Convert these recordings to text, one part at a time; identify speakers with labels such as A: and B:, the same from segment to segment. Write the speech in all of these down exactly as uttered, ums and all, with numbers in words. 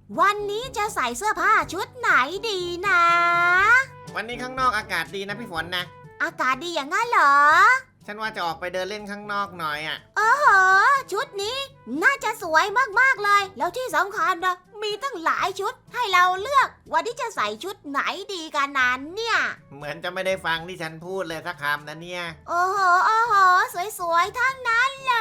A: วันนี้จะใส่เสื้อผ้าชุดไหนดีนะ
B: วันนี้ข้างนอกอากาศดีนะพี่ฝนนะ
A: อากาศดีอย่างนั้นเหรอ
B: ฉันว่าจะออกไปเดินเล่นข้างนอกหน่อยอ่ะ
A: โอ้โหชุดนี้น่าจะสวยมากๆเลย แล้วที่สำคัญนะมีตั้งหลายชุดให้เราเลือกวันนี้จะใส่ชุดไหนดีกันนั้นเนี่ย
B: เหมือนจะไม่ได้ฟังที่ฉันพูดเลยสักคำนะเนี่ย
A: โอ้โหโอ้โหสวยๆทั้งนั้นเลย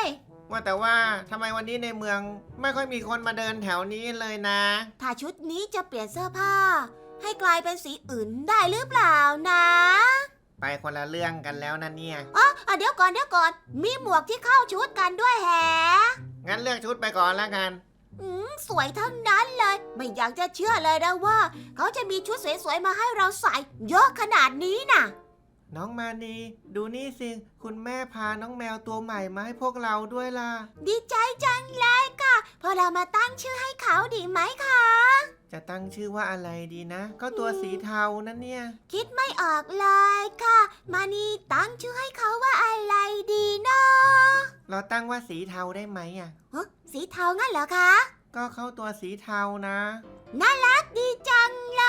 B: ว่าแต่ว่าทำไมวันนี้ในเมืองไม่ค่อยมีคนมาเดินแถวนี้เลยนะ
A: ถ้าชุดนี้จะเปลี่ยนเสื้อผ้า ให้กลายเป็นสีอื่นได้หรือเปล่านะ
B: ไปคนละเรื่องกันแล้วนะเนี่ย
A: อ๋อเดี๋ยวก่อนเดี๋ยวก่อนมีหมวกที่เข้าชุดกันด้วยแฮะ
B: งั้นเลือกชุดไปก่อนแล้วกัน
A: อืมสวยทั้งนั้นเลย ไม่อยากจะเชื่อเลยนะว่า เขาจะมีชุดสวยๆมาให้เราใส่เยอะขนาดนี้น่ะ
B: น้องมานีดูนี่สิคุณแม่พาน้องแมวตัวใหม่มาให้พวกเราด้วยล่ะ
A: ดีใจจังเลยค่ะพอเรามาตั้งชื่อให้เขาดีไหมคะ
B: จะตั้งชื่อว่าอะไรดีนะ ก็ตัวสีเทานั่นเนี่ย
A: คิดไม่ออกเลยค่ะ มานี่ตั้งชื่อให้เขาว่าอะไรดีเนาะ
B: เราตั้งว่าสีเทาได้ไหมอ่ะ
A: ฮะสีเทางั้นเหรอคะ
B: ก็เข้าตัวสีเทานะ
A: น่ารักดีจังเลย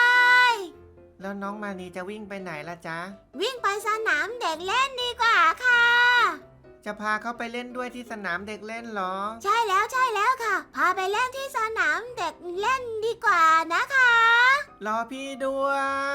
B: แล้วน้องมานีจะวิ่งไปไหนล่ะจ๊ะ
A: วิ่งไปสนามเด็กเล่นดีกว่าค่ะ
B: จะพาเขาไปเล่นด้วยที่สนามเด็กเล่นเหรอ
A: ใช่แล้วใช่แล้วค่ะ พาไปเล่นที่สนามเด็กเล่นดีกว่านะคะ
B: รอพี่ด้วย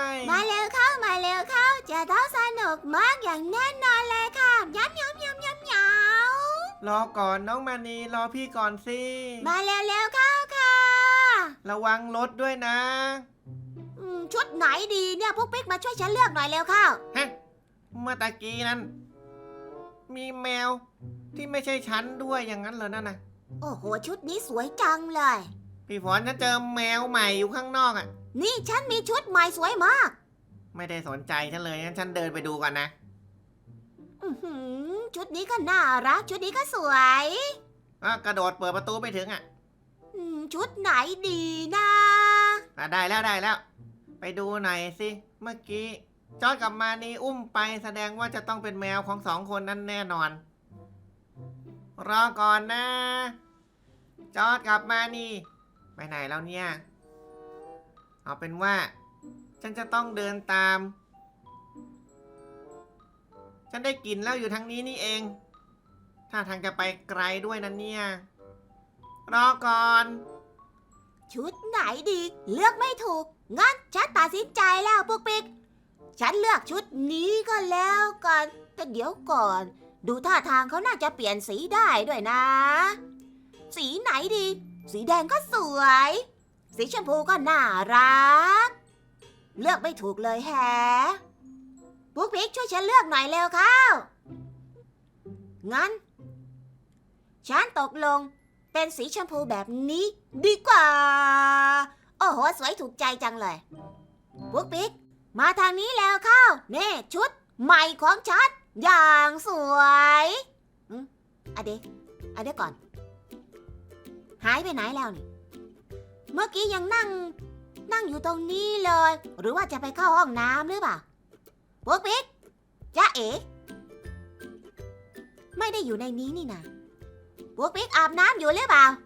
A: มาเร็วเข้ามาเร็วเข้าจะต้องสนุกมากอย่างแน่นอนเลยค่ะย้ำย้ำย้ำย้ำย้
B: รอก่อนน้องมานีรอพี่ก่อนสิ
A: ำมาเร็วเร็วเข้าค่ะ
B: ระวังรถด้วยนะ
A: อืมชุดไหนดีเนี่ยพวกปิ๊กมาช่วยฉันเลือกหน่อยเร็วเข้า
B: ฮะเมื่อตะกี้นั้น มีแมวที่ไม่ใช่ฉันด้วยอย่างนั้นเหรอนั่นน่ะ
A: โอ้โหชุดนี้สวยจังเลย
B: พี่ฝนฉันเจอแมวใหม่อยู่ข้างนอกอ่ะ
A: นี่ฉันมีชุดใหม่สวยมาก
B: ไม่ได้สนใจฉันเลยงั้นฉันเดินไปดูก่อนนะ
A: อื้อหือชุดนี้ก็น่ารักชุดนี้ก็สวย
B: อ่ะกระโดดเปิดประตูไม่ถึงอ่ะ
A: อืมชุดไหนดีนะ
B: อ่ะได้แล้วได้แล้ว ไปดูหน่อยสิเมื่อกี้จอร์จกับมานีอุ้มไปแสดงว่าจะต้องเป็นแมวของสองคนนั้นแน่นอน รอก่อนนะ จอร์จกับมานีไปไหนแล้วเนี่ย เอาเป็นว่า ฉันจะต้องเดินตาม ฉันได้กลิ่นแล้วอยู่ทางนี้นี่เอง ถ้าทางจะไปไกลด้วยนะเนี่ย รอก่อน
A: ชุดไหนดีเลือกไม่ถูกงั้นฉันตัดสินใจแล้วพวกปิ๊กฉันเลือกชุดนี้ก็แล้วกันแต่เดี๋ยวก่อน ดูท่าทางเขาน่าจะเปลี่ยนสีได้ด้วยนะ สีไหนดี สีแดงก็สวย สีชมพูก็น่ารัก เลือกไม่ถูกเลยแฮะพวกปิ๊กช่วยฉันเลือกหน่อยเร็วเข้างั้นฉันตกลงเป็นสีชมพูแบบนี้ดีกว่า โอ้โหสวยถูกใจจังเลยพวกปิ๊กมาทางนี้แล้วเข้าเน่ชุดใหม่ของฉันอย่างสวยอืมอะเดอะเดี๋ยวก่อน หายไปไหนแล้วนี่ เมื่อกี้ยังนั่ง นั่งอยู่ตรงนี้เลย หรือว่าจะไปเข้าห้องน้ำหรือเปล่าพวกปิ๊กจ๊ะเอ๋ไม่ได้อยู่ในนี้นี่นะพวกปิ๊กอาบน้ำอยู่หรือเปล่า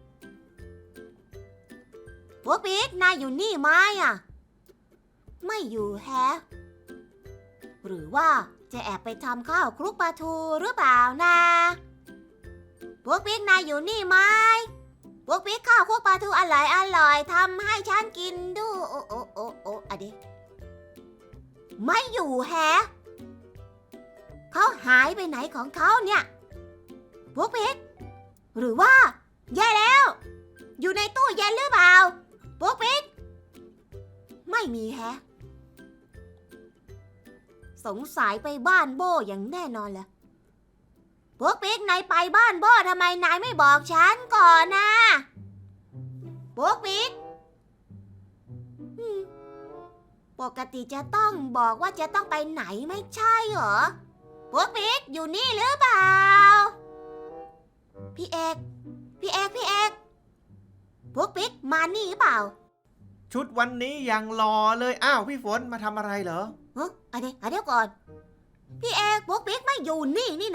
A: พวกปิ๊กนายอยู่นี่ไหมอ่ะไม่อยู่แฮะหรือว่าจะแอบไปทำข้าวคลุกปลาทูหรือเปล่านะพวกปิ๊กนายอยู่นี่ไหมพวกปิ๊กข้าวคลุกปลาทูอร่อยอร่อยทำให้ฉันกินดูโอ้โอ้โอ้โอ้อะเดไม่อยู่แฮะเขาหายไปไหนของเขาเนี่ยพวกปิ๊กหรือว่าแย่แล้ว อยู่ในตู้เย็นหรือเปล่าปุ๊กปิ๊กไม่มีแฮะสงสัยไปบ้านโบอย่างแน่นอนเลยปุ๊กปิ๊กนายไปบ้านโบทำไมนายไม่บอกฉันก่อนนะปุ๊กปิ๊กปกติจะต้องบอกว่าจะต้องไปไหนไม่ใช่เหรอปุ๊กปิ๊กอยู่นี่หรือเปล่าพี่เอกพี่เอกพี่เอกพวกปิ๊กมานี่หรือเปล่า
B: ชุดวันนี้ยังหล่อเลยอ้าวพี่ฝนมาทำอะไรเหรอ
A: เฮ้ยอะเดี๋ยวอะเดี๋ยวก่อนพี่เอกพวกปิ๊กไม่อยู่นี่นี่นะ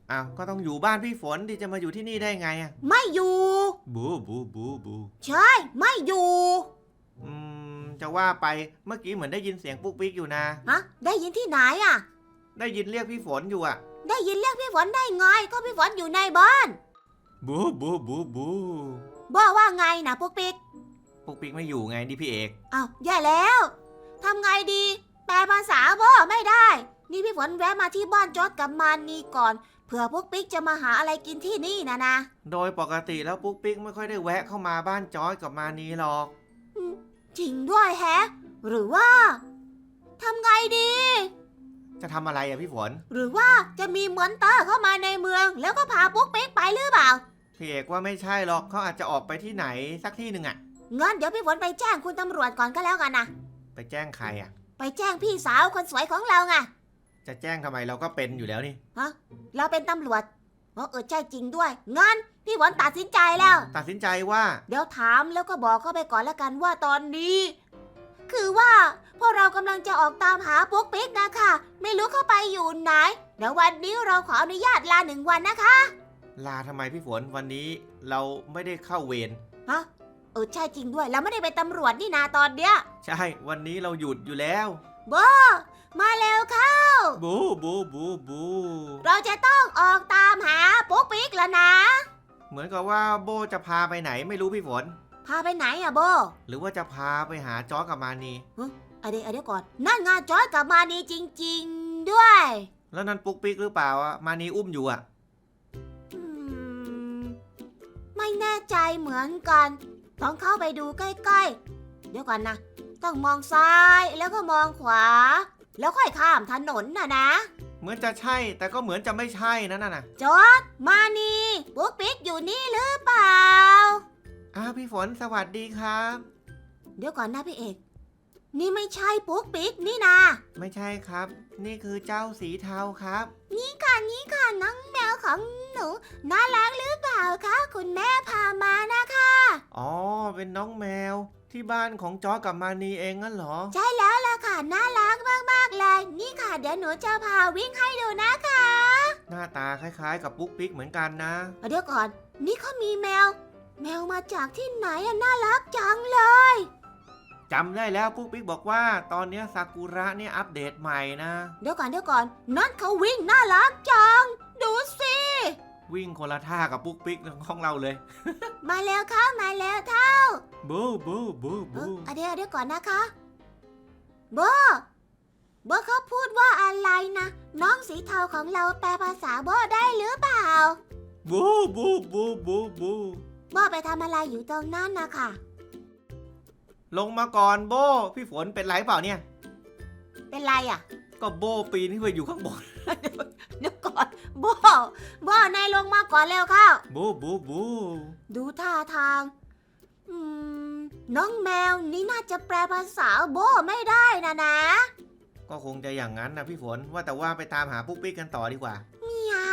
B: อ้าวก็ต้องอยู่บ้านพี่ฝนที่จะมาอยู่ที่นี่ได้ไงอะ
A: ไม่อยู่
B: บูบูบูบู
A: ใช่ไม่อยู่
B: อืมจะว่าไปเมื่อกี้เหมือนได้ยินเสียงปุ๊กปิ๊กอยู่นะ
A: ฮะได้ยินที่ไหนอ่ะ
B: ได้ยินเรียกพี่ฝนอยู่อะ
A: ได้ยินเรียกพี่ฝนได้ไงก็พี่ฝนอยู่ในบ้าน
B: บูบูบูบู
A: บอกว่าไงนะปุ๊กปิ๊ก
B: ปุ๊กปิ๊กไม่อยู่ไงนี่พี่เอก
A: อ้าวแย่แล้วทำไงดีแปลภาษาบ่ไม่ได้ นี่พี่ฝนแวะมาที่บ้านจอดกับมานีก่อนเผื่อปุ๊กปิ๊กจะมาหาอะไรกินที่นี่นะนะ
B: โดยปกติแล้วปุ๊กปิ๊กไม่ค่อยได้แวะเข้ามาบ้านจอยกับมานีหรอก
A: จริงด้วยแฮะ หรือว่าทำไงดี
B: จะทำอะไรอะพี่ฝน
A: หรือว่าจะมีเหมือนเตอร์เข้ามาในเมือง แล้วก็พาปุ๊กปิ๊กไปหรือเปล่า
B: พี่เอกว่าไม่ใช่หรอกเขาอาจจะออกไปที่ไหนสักที่หนึ่งอะ
A: งั้นเดี๋ยวพี่ฝนไปแจ้งคุณตำรวจก่อนก็แล้วกันนะ
B: ไปแจ้งใครอะ
A: ไปแจ้งพี่สาวคนสวยของเราไง
B: จะแจ้งทำไมเราก็เป็นอยู่แล้วนี่
A: ฮะเราเป็นตำรวจเออเออใช่จริงด้วยงั้นพี่ฝนตัดสินใจแล้ว
B: ตัดสินใจว่า
A: เดี๋ยวถามแล้วก็บอกเข้าไปก่อนแล้วกันว่าตอนนี้ คือว่าพวกเรากำลังจะออกตามหาปุ๊กปิ๊กนะคะไม่รู้เข้าไปอยู่ไหนเดี๋ยววันนี้เราขออนุญาตลาหนึ่งวันนะคะ
B: ลาทำไมพี่ฝนวันนี้เราไม่ได้เข้าเวร
A: ฮะเออใช่จริงด้วยเราไม่ได้เป็นตำรวจนี่นาตอนเนี้ย
B: ใช่วันนี้เราหยุดอยู่แล้ว
A: โบมาเร็วเข้า
B: บูบูบูบู
A: เราจะต้องออกตามหาปุ๊กปิ๊กแล้วนะ
B: เหมือนกับว่าโบจะพาไปไหนไม่รู้พี่ฝน
A: พาไปไหนอะโบ
B: หรือว่าจะพาไปหาจอกับมานี
A: เอาเดี๋ยวเอาเดี๋ยวก่อนนั่นงานจอยกับมานีจริง ๆด้วย
B: แล้วนั่นปุ๊กปิ๊กหรือเปล่าอะมานีอุ้มอยู่อะ
A: อืมไม่แน่ใจเหมือนกันต้องเข้าไปดูใกล้ๆเดี๋ยวก่อนนะต้องมองซ้ายแล้วก็มองขวา แล้วค่อยข้ามถนนน่ะนะ
B: เหมือนจะใช่แต่ก็เหมือนจะไม่ใช่นั่นน่ะนะ
A: จอดมานีปุ๊กปิ๊กอยู่นี่หรือเปล่า
B: อ้าวพี่ฝนสวัสดีครับ
A: เดี๋ยวก่อนนะพี่เอกนี่ไม่ใช่ปุ๊กปิ๊กนี่นะ
B: ไม่ใช่ครับ นี่คือเจ้าสีเทาครับ
A: นี่ค่ะนี่ค่ะน้องแมวของหนูน่ารักหรือเปล่าคะคุณแม่พามานะคะ
B: อ๋อเป็นน้องแมวที่บ้านของจอกับมานีเองงั้นเหรอ
A: ใช่แล้วล่ะค่ะน่ารักมากๆเลยนี่ค่ะเดี๋ยวหนูจะพาวิ่งให้ดูนะคะ
B: หน้าตาคล้ายๆกับปุ๊กปิ๊กเหมือนกันนะ
A: เดี๋ยวก่อนนี่เขามีแมว แมวมาจากที่ไหนอะน่ารักจังเลย
B: จำได้แล้วปุ๊กปิ๊กบอกว่าตอนนี้ซากุระเนี่ยอัปเดตใหม่นะ
A: เดี๋ยวก่อนเดี๋ยวก่อนนั่นเขาวิ่งน่ารักจังดูสิ
B: วิ่งคนละท่ากับปุ๊กปิ๊กของเราเลย
A: มาแล้วค่ะมาแล้วเท่า
B: บูบูบู
A: เอ
B: บู
A: อเดี๋ยวเดี๋ยวก่อนนะคะโบโบเขาพูดว่าอะไรนะน้องสีเทาของเราแปลภาษาโบได้หรือเปล่า
B: บูบูบูบูบู
A: โบไปทำอะไรอยู่ตรงนั้นนะคะ
B: ลงมาก่อนโบพี่ฝนเป็นไรเปล่าเนี่ย
A: เป็นไรอ่ะ
B: ก็โบปีนขึ้นไปอยู่ข้างบน
A: เดี๋ยวก่อนโบโบนายลงมาก่อนเร็วเข้า
B: บูบูบู
A: ดูท่าทางอืมน้องแมวนี่น่าจะแปลภาษาโบไม่ได้นะนะ
B: ก็คงจะอย่างนั้นนะพี่ฝนว่าแต่ว่าไปตามหาปุ๊กปิ๊กกันต่อดีกว่า
A: เหมียว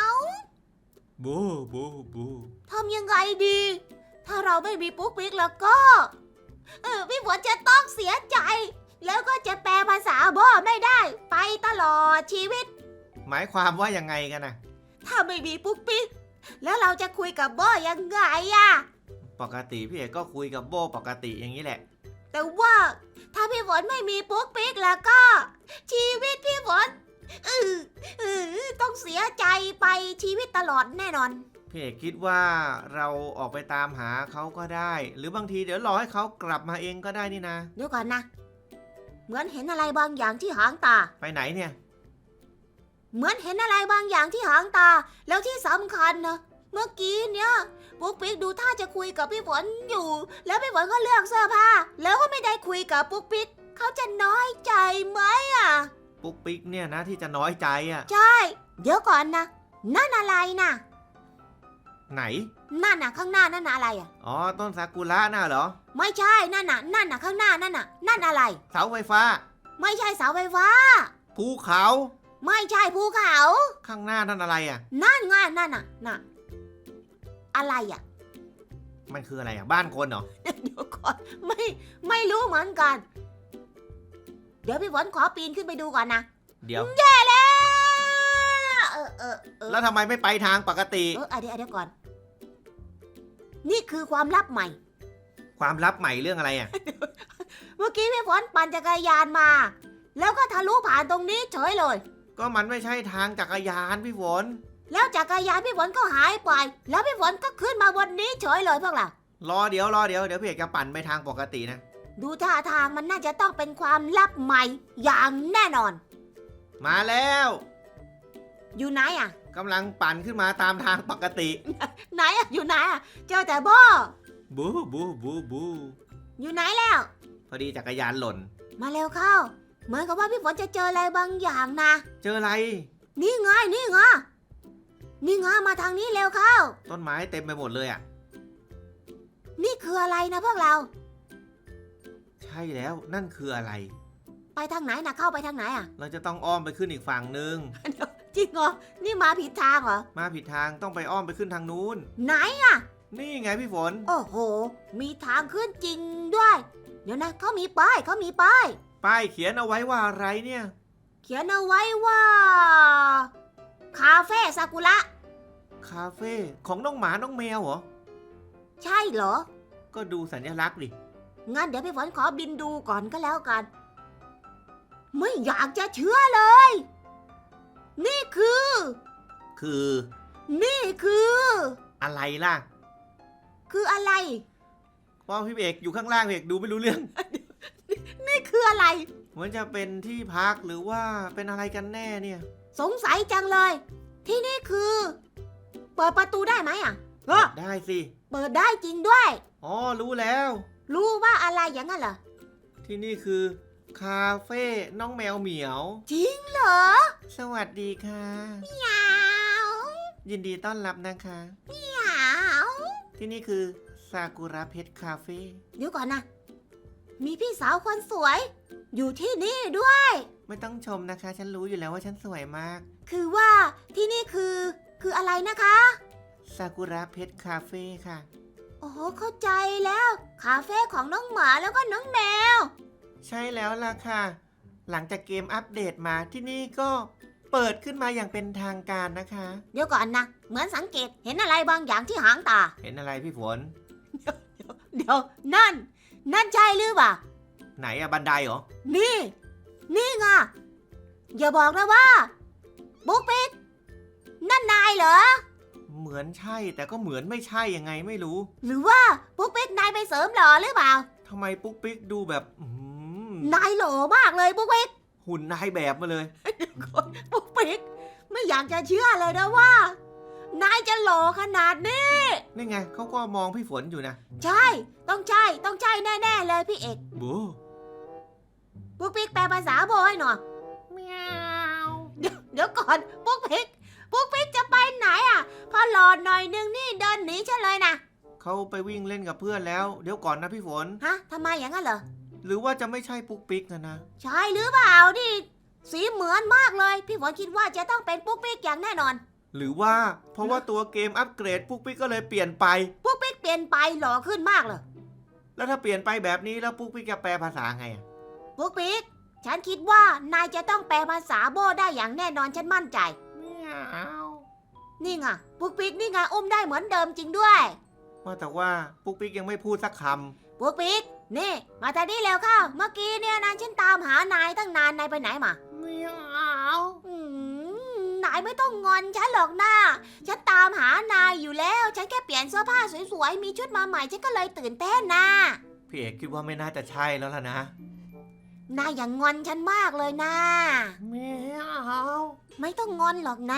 B: บูบูบู
A: ทำยังไงดี ถ้าเราไม่มีปุ๊กปิ๊กแล้วก็เออพี่ฝนจะต้องเสียใจ แล้วก็จะแปลภาษาโบไม่ได้ ไปตลอดชีวิต
B: หมายความว่ายังไงกันนะ
A: ถ้าไม่มีปุ๊กปิ๊กแล้วเราจะคุยกับโบยังไงอะ
B: ปกติพี่เอกก็คุยกับโบปกติอย่างนี้แหละ
A: แต่ว่าถ้าพี่ฝนไม่มีปุ๊กปิ๊กแล้วก็ ชีวิตพี่ฝนเออเออต้องเสียใจไปชีวิตตลอดแน่นอน
B: พี่เอกคิดว่าเราออกไปตามหาเขาก็ได้ หรือบางทีเดี๋ยวรอให้เขากลับมาเองก็ได้นี่นะ
A: เดี๋ยวก่อนนะ เหมือนเห็นอะไรบางอย่างที่หางตา
B: ไปไหนเนี่ย
A: เหมือนเห็นอะไรบางอย่างที่หางตา แล้วที่สำคัญนะเมื่อกี้เนี่ยปุ๊กปิ๊กดูท่าจะคุยกับพี่ฝนอยู่ แล้วพี่ฝนก็เลือกเสื้อผ้าแล้วก็ไม่ได้คุยกับปุ๊กปิ๊กเขาจะน้อยใจไหมอ่ะ
B: ปุ๊กปิ๊กเนี่ยนะที่จะน้อยใจอ่ะ
A: ใช่ เดี๋ยวก่อนนะนั่นอะไรนะ
B: ไหน
A: นั่นน่ะข้างหน้านั่นน่ะอะไรอ่ะ
B: อ๋อต้นซากุระน่ะเหรอ
A: ไม่ใช่นั่นน่ะนั่นน่ะข้างหน้านั่นน่ะนั่นอะไร
B: เสาไฟฟ้า
A: ไม่ใช่เสาไฟฟ้า
B: ภูเขา
A: ไม่ใช่ภูเขา
B: ข้างหน้านั่นอะไรอ่ะ
A: นั่นไงนั่นน่ะน่ะอะไรอ่ะ
B: มันคืออะไรอ่ะบ้านคนเหรอ
A: เดี๋ยวก่อนไม่ไม่รู้เหมือนกัน เดี๋ยวพี่ฝนขอปีนขึ้นไปดูก่อนนะ
B: เดี๋ยว
A: แย่แล้วเออเออเออ
B: แล้วทำไมไม่ไปทางปกติ
A: เออเดี๋ยวเดี๋ยวก่อน นี่คือความลับใหม่
B: ความลับใหม่เรื่องอะไรอ่ะ
A: เมื่อกี้พี่ฝนปั่นจักรยานมา แล้วก็ทะลุผ่านตรงนี้เฉยเลย
B: ก็มันไม่ใช่ทางจักรยานพี่ฝน
A: แล้วจักรยานพี่ฝนก็หายไป แล้วพี่ฝนก็ขึ้นมาบนนี้เฉยเลยพวกเรา
B: รอเดี๋ยวรอเดี๋ยวเดี๋ยวพี่เอกจะปั่นไปทางปกตินะ
A: ดูท่าทางมันน่าจะต้องเป็นความลับใหม่อย่างแน่นอน
B: มาแล้ว
A: อยู่ไหนอ่ะ
B: กำลังปั่นขึ้นมาตามทางปกติ
A: ไหนอ่ะอยู่ไหนอ่ะเจอแต่โบ
B: บูบูบูบู
A: อยู่ไหนแล้ว
B: พอดีจักรยานหล่น
A: มาเร็วเข้า เหมือนกับว่าพี่ฝนจะเจออะไรบางอย่างนะ
B: เจออะไร
A: นี่ไงนี่ไงนี่ไงมาทางนี้เร็วเข้า
B: ต้นไม้เต็มไปหมดเลยอ่ะ
A: นี่คืออะไรนะพวกเรา
B: ใช่แล้วนั่นคืออะไร
A: ไปทางไหนนะเข้าไปทางไหนอ่ะ
B: เราจะต้องอ้อมไปขึ้นอีกฝั่งหนึ่ง
A: จริงเหรอ นี่มาผิดทางเหรอ
B: มาผิดทางต้องไปอ้อมไปขึ้นทางนู้น
A: ไหนอ่ะ
B: นี่ไงพี่ฝน
A: โอ้โห มีทางขึ้นจริงด้วย เดี๋ยวนะเขามีป้ายเขามีป้าย
B: ป้ายเขียนเอาไว้ว่าอะไรเนี่ย
A: เขียนเอาไว้ว่า คาเฟ่ซากุระ
B: คาเฟ่ของน้องหมาน้องแมวเหรอ
A: ใช่เหรอ
B: ก็ดูสัญลักษณ์ดิ
A: งั้นเดี๋ยวพี่ฝนขอบินดูก่อนก็แล้วกัน ไม่อยากจะเชื่อเลย นี่คือ
B: คือ
A: นี่คือ
B: อะไรล่ะ
A: คืออะไร
B: เพราะพี่เอกอยู่ข้างล่างพี่เอกดูไม่รู้เรื่อง
A: นี่คืออะไร
B: เหมือนจะเป็นที่พักหรือว่าเป็นอะไรกันแน่เนี่ย
A: สงสัยจังเลย ที่นี่คือ เปิดประตูได้ไหมอ่ะเออ
B: ได้สิ
A: เปิดได้จริงด้วย
B: อ๋อรู้แล้ว
A: รู้ว่าอะไรอย่างนั้นเหรอ
B: ที่นี่คือ คาเฟ่น้องแมวเหมียว
A: จริงเหรอ
B: สวัสดีค่ะ
A: เหมียว
B: ยินดีต้อนรับนะคะ
A: เหมียว
B: ที่นี่คือซากุระเพชรคาเฟ่
A: เดี๋ยวก่อนนะ มีพี่สาวคนสวย อยู่ที่นี่ด้วย
B: ไม่ต้องชมนะคะ ฉันรู้อยู่แล้วว่าฉันสวยมาก
A: คือว่าที่นี่คือ คืออะไรนะคะ
B: ซากุระเพชรคาเฟ่ค่ะ
A: โอ้โหเข้าใจแล้ว คาเฟ่ของน้องหมาแล้วก็น้องแมว
B: ใช่แล้วล่ะค่ะ หลังจากเกมอัปเดตมาที่นี่ก็เปิดขึ้นมาอย่างเป็นทางการนะคะ
A: เดี๋ยวก่อนนะ เหมือนสังเกตเห็นอะไรบางอย่างที่หางตา
B: เห็นอะไรพี่ฝน
A: เดี๋ยวนั่น นั่นใช่หรือเปล่า
B: ไหนอะบันไดเหรอ
A: นี่ นี่ไงอย่าบอกนะว่า บุ๊กปิ๊กนั่นนายเหรอ
B: เหมือนใช่แต่ก็เหมือนไม่ใช่ยังไงไม่รู้
A: หรือว่าบุ๊กปิ๊กนายไปเสริมหล่อหรือเปล่า
B: ทำไมปุ๊กปิ๊กดูแบบอื้อหือน
A: ายหล่อมากเลยบุ๊กปิ๊ก
B: หุ่นนายแบบมาเลย
A: ปุ๊กปิ๊กไม่อยากจะเชื่อเลยนะว่า นายจะหล่อขนาดนี้
B: นี่ไงเขาก็มองพี่ฝนอยู่นะ
A: ใช่ ต้องใช่ ต้องใช่แน่ๆเลยพี่เอก
B: บู
A: ปุ๊กปิ๊กแปลภาษาโบให้หน่อยเมียวเดี๋ยวเดี๋ยวก่อนปุ๊กปิ๊กปุ๊กปิ๊กจะไปไหนอ่ะ พอหลอดหน่อยนึงนี่เดินหนีฉันเลยนะ
B: เขาไปวิ่งเล่นกับเพื่อนแล้ว เดี๋ยวก่อนนะพี่ฝน
A: ฮะทำไมอย่างนั้นเหรอ
B: หรือว่าจะไม่ใช่ปุ๊กปิ๊กนะนะ
A: ใช่หรือเปล่าดิสีเหมือนมากเลย พี่ฝนคิดว่าจะต้องเป็นปุ๊กปิ๊กอย่างแน่นอน
B: หรือว่าเพราะว่าตัวเกมอัปเกรดปุ๊กปิ๊กก็เลยเปลี่ยนไป
A: ปุ๊กปิ๊กเปลี่ยนไปหล่อขึ้นมากเลย
B: แล้วถ้าเปลี่ยนไปแบบนี้แล้วปุ๊กปิ๊กจะแปลภาษาไงอะ
A: ปุ๊กปิ๊กฉันคิดว่านายจะต้องแปลภาษาโบได้อย่างแน่นอนฉันมั่นใจ
B: เมียว
A: นี่ไงปุ๊กปิ๊กนี่ไงอุ้มได้เหมือนเดิมจริงด้วย
B: ว่าแต่ว่าปุ๊กปิ๊กยังไม่พูดสักค
A: ปุ๊กปิ๊กนี่มาทางนี้เร็วเข้า เมื่อกี้เนี่ยนะฉันตามหานายตั้งนานนายไปไหนมา
B: ำเมียว
A: อืมนายไม่ต้องงอนฉันหรอกนะฉันตามหานายอยู่แล้ว ฉันแค่เปลี่ยนเสื้อผ้าสวยๆ มีชุดมาใหม่ฉันก็เลยตื่นเต้นนะ
B: พี่เอกคิดว่าไม่น่าจะใช่แล้วล่ะนะ
A: นายอย่างงอนฉันมากเลยนะ
B: เมียว
A: ไม่ต้องงอนหรอกนะ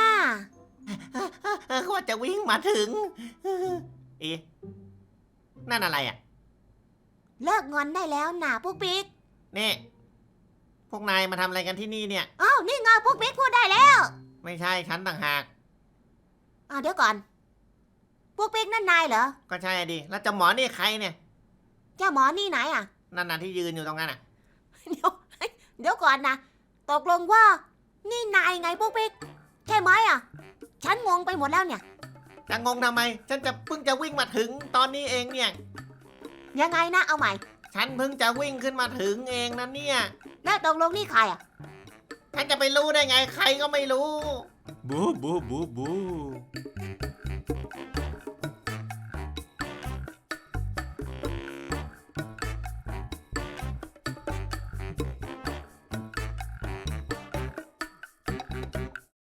B: ว่าจะวิ่งมาถึง เอ๊ะนั่นอะไรอ่ะ
A: เลิกงอนได้แล้วนะปุ๊กปิ๊ก
B: นี่ พวกนายมาทำอะไรกันที่นี่เนี่ย
A: อ้าวนี่ไงปุ๊กปิ๊กพูดได้แล้ว
B: ไม่ใช่ฉันต่างหาก
A: อ้าวเดี๋ยวก่อนปุ๊กปิ๊กนั่นนายเหรอ
B: ก็ใช่อะดิ แล้วเจะหมอนี่ใครเนี่ย
A: เจ้าหมอนี่ไหนอ่ะ
B: นั่นน่ะที่ยืนอยู่ตรงนั้นอ่ะ
A: เดี๋ยวเดี๋ยวก่อนนะตกลงว่า นี่นายไงปุ๊กปิ๊กใช่ไหมอ่ะ ฉันงงไปหมดแล้วเนี่ย
B: จะงงทำไม ฉันจะเพิ่งจะวิ่งมาถึงตอนนี้เองเนี่ย
A: ยังไงนะเอาใหม่
B: ฉันเพิ่งจะวิ่งขึ้นมาถึงเองนะเนี่ย
A: แล้วตกลงนี่ใครอ่ะ
B: ฉันจะไปรู้ได้ไงใครก็ไม่รู้บูบูบูบู